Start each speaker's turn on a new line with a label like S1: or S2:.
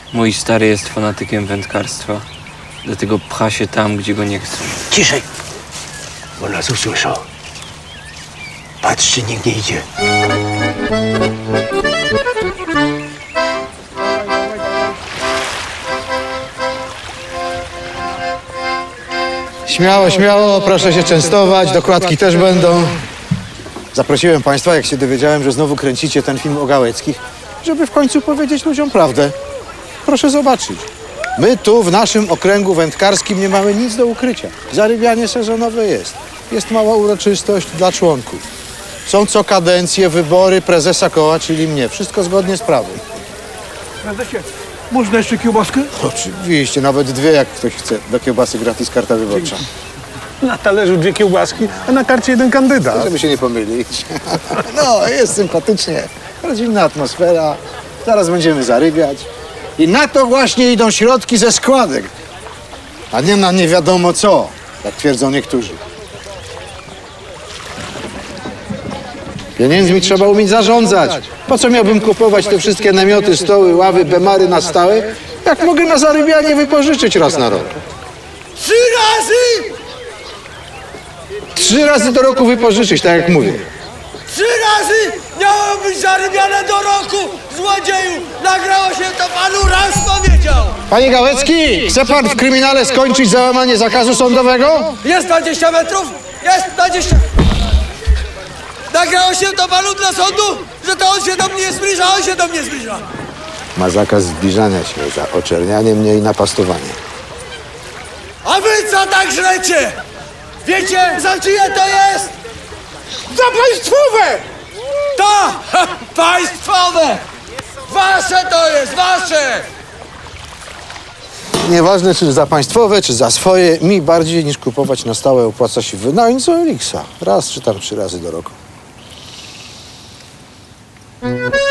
S1: Mój stary jest fanatykiem wędkarstwa. Dlatego pcha się tam, gdzie go nie chcą.
S2: Ciszej, bo nas usłyszą. Patrz, czy nikt nie idzie.
S3: Śmiało, śmiało, proszę się częstować, dokładki też będą. Zaprosiłem państwa, jak się dowiedziałem, że znowu kręcicie ten film o Gałeckich, żeby w końcu powiedzieć ludziom prawdę. Proszę zobaczyć. My tu w naszym okręgu wędkarskim nie mamy nic do ukrycia. Zarybianie sezonowe jest. Jest mała uroczystość dla członków. Są co kadencję wybory prezesa koła, czyli mnie. Wszystko zgodnie z prawem.
S4: Prezesie, można jeszcze kiełbaskę?
S3: Oczywiście, nawet dwie, jak ktoś chce. Do kiełbasy gratis karta wyborcza.
S4: Na talerzu 2 kiełbaski, a na karcie 1 kandydat.
S3: Żeby się nie pomylić. No, jest sympatycznie. Rodzinna atmosfera. Zaraz będziemy zarybiać. I na to właśnie idą środki ze składek. A nie na nie wiadomo co, jak twierdzą niektórzy. Pieniędzmi trzeba umieć zarządzać. Po co miałbym kupować te wszystkie namioty, stoły, ławy, bemary na stałe, jak mogę na zarybianie wypożyczyć raz na rok?
S2: 3 razy!
S3: 3 razy do roku wypożyczyć, tak jak mówię.
S2: 3 razy miało być zarybiane do roku! Złodzieju! Nagrało się to panu, raz powiedział!
S3: Panie Gałecki, chce pan w kryminale skończyć za łamanie zakazu sądowego?
S2: Jest 20 metrów? Jest 20! Nagrało się to panu dla sądu, że to on się do mnie zbliża, on się do mnie zbliża!
S3: Ma zakaz zbliżania się za oczernianie mnie i napastowanie.
S2: A wy co tak żrecie? Wiecie, za czyje to jest?
S4: Za państwowe!
S2: To! Państwowe! Wasze to jest, wasze!
S3: Nieważne, czy za państwowe, czy za swoje, mi bardziej niż kupować na stałe opłaca się wynająć z Elixa. Raz czy tam 3 razy do roku.